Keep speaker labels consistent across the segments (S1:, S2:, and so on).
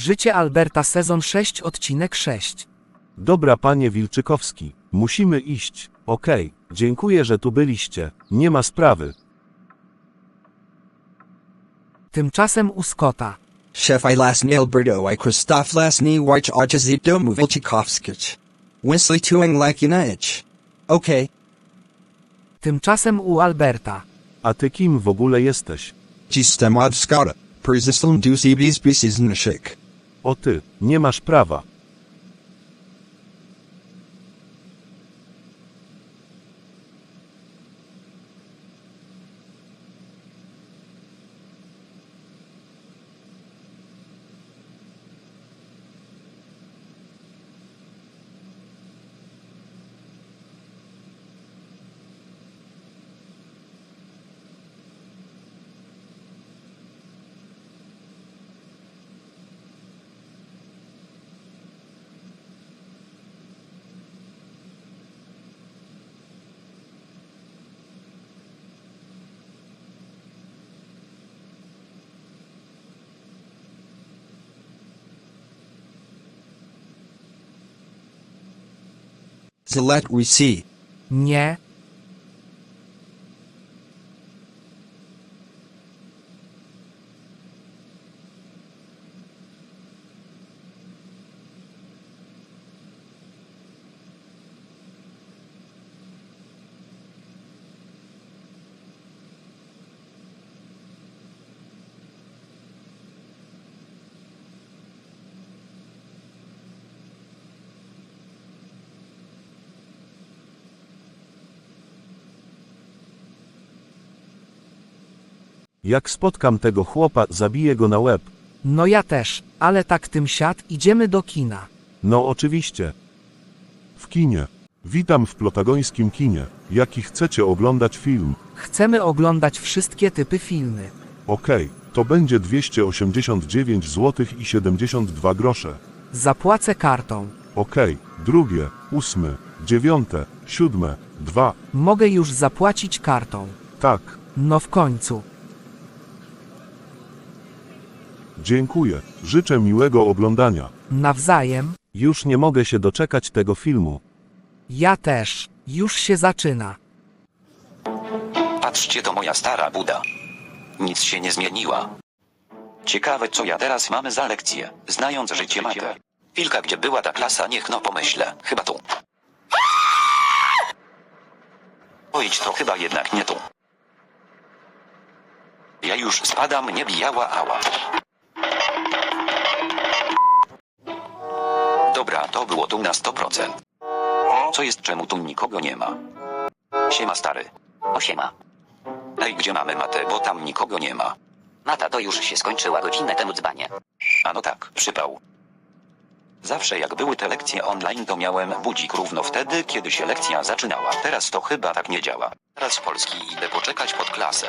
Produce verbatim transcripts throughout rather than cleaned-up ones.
S1: Życie Alberta sezon sześć odcinek sześć.
S2: Dobra panie Wilczykowski, musimy iść. Okej, dziękuję, że tu byliście, nie ma sprawy.
S1: Tymczasem u Scotta.
S3: Chef I lasny Alberto I Krzysztof lasny Warch Archizito Mowilczykowskich. Wesley Tuing Lakinich. Okej.
S1: Tymczasem u Alberta.
S2: A ty kim w ogóle jesteś?
S3: Jestem od Scotta. Persistent du C B's species nashik.
S2: O ty, nie masz prawa.
S3: Zalet Risi.
S1: Nie.
S2: Jak spotkam tego chłopa, zabiję go na łeb.
S1: No ja też, ale tak tym siad, idziemy do kina.
S2: No oczywiście.
S4: W kinie. Witam w plotagońskim kinie. Jaki chcecie oglądać film?
S1: Chcemy oglądać wszystkie typy filmy.
S4: Okej, to będzie dwieście osiemdziesiąt dziewięć złotych i siedemdziesiąt dwa grosze.
S1: Zapłacę kartą.
S4: Okej, drugie, ósme, dziewiąte, siódme, dwa.
S1: Mogę już zapłacić kartą.
S4: Tak,
S1: No w końcu.
S4: dziękuję. Życzę miłego oglądania.
S1: Nawzajem.
S2: Już nie mogę się doczekać tego filmu.
S1: Ja też. Już się zaczyna.
S5: Patrzcie, to moja stara Buda. Nic się nie zmieniła. Ciekawe, co ja teraz mamy za lekcję, znając życie matę. Wilka, gdzie była ta klasa, niech no pomyślę. Chyba tu. Ojdź, to chyba jednak nie tu. Ja już spadam, nie bijała, ała. Dobra, to było tu na sto procent. Co jest, czemu tu nikogo nie ma? Siema, stary.
S6: O siema.
S5: Ej, gdzie mamy matę, bo tam nikogo nie ma.
S6: Mata to już się skończyła godzinę temu dzbanie.
S5: A no tak, przypał. Zawsze jak były te lekcje online, to miałem budzik równo wtedy, kiedy się lekcja zaczynała. Teraz to chyba tak nie działa. Teraz w Polski idę poczekać pod klasę.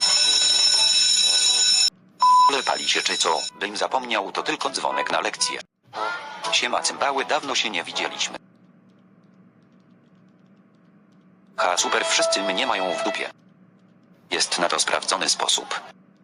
S5: Ale pali się czy co? Bym zapomniał, to tylko dzwonek na lekcję. Siema cymbały, dawno się nie widzieliśmy. Ha, super, wszyscy mnie mają w dupie. Jest na to sprawdzony sposób.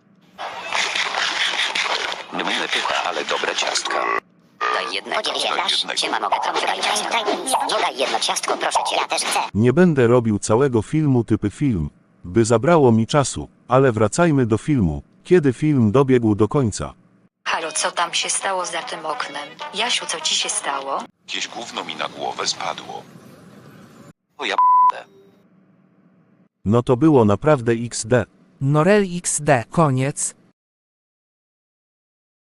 S5: Mymy pycha, ale dobre ciastka.
S6: Daj jednego.
S7: Podziel się, dasz?
S6: Siema, mogę trochę daj ciastko.
S7: Daj mi.
S6: No daj jedno ciastko, proszę cię.
S7: Ja też chcę.
S2: Nie będę robił całego filmu typy film, by zabrało mi czasu, ale wracajmy do filmu, kiedy film dobiegł do końca.
S8: Halo, co tam się stało za tym oknem? Jasiu, co ci się stało?
S5: Jakieś gówno mi na głowę spadło. O ja p***e.
S2: No to było naprawdę iks de.
S1: Norel iks de. Koniec.